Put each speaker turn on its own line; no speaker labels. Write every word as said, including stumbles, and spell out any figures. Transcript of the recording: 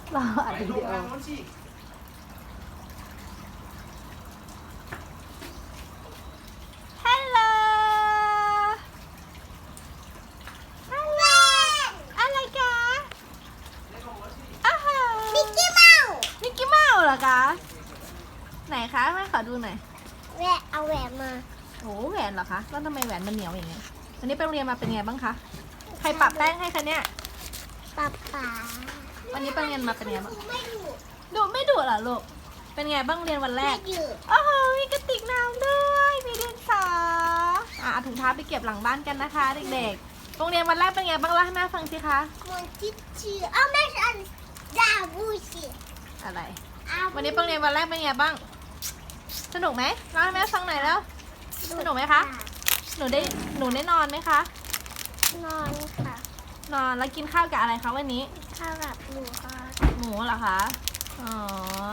เราอัดวิดีโอฮัลโหลฮัลโหลอะไรคะอ้าวมิกกี้เมาส์มิกกี้เมาส์เหรอคะไหนคะแม่ขอดูหน่อย
แหวะเอาแหวนมา
โอ้แหวนเหรอคะแล้วทำไมแหวนมันเหนียวอย่างเงี้ยวันนี้ไปโรงเรียนมาเป็นไงบ้างคะใครปรับแป้งให้คะเนี่ย
ป๊าป๊า
วันนี้ไปโรงเรียนมาเป็นไงบ้าง
ไม่ดุ
ดุไม่ดุเหรอลูกเป็นไงบ้างเรียนวันแร
ไม่
ก
ดุ
โอ้โหมีกระติกน้ำด้วยมีดินสออ่ะเอาถุงเท้าไปเก็บหลังบ้านกันนะคะเด็กๆโรงเรียนวันแรกเป็นไงบ้างเล่าให้แม่ฟังสิคะ
มันจิ๊ดชื่อเอาไม่ใช่ดาบูชิ
อะไร
เอา
วันนี้ไปโรงเรียนวันแรกเป็นไงบ้างสนุกไหมเล่าให้แม่ฟังหน่อยแล้ว สนุกไหมคะ หนูได้หนูได้นอนไหมคะ
นอนค่ะ
นอนแล้วกินข้าวกับอะไรคะวันนี้
ข้าวกับหนูค่ะ
หมูเหรอคะอ๋อ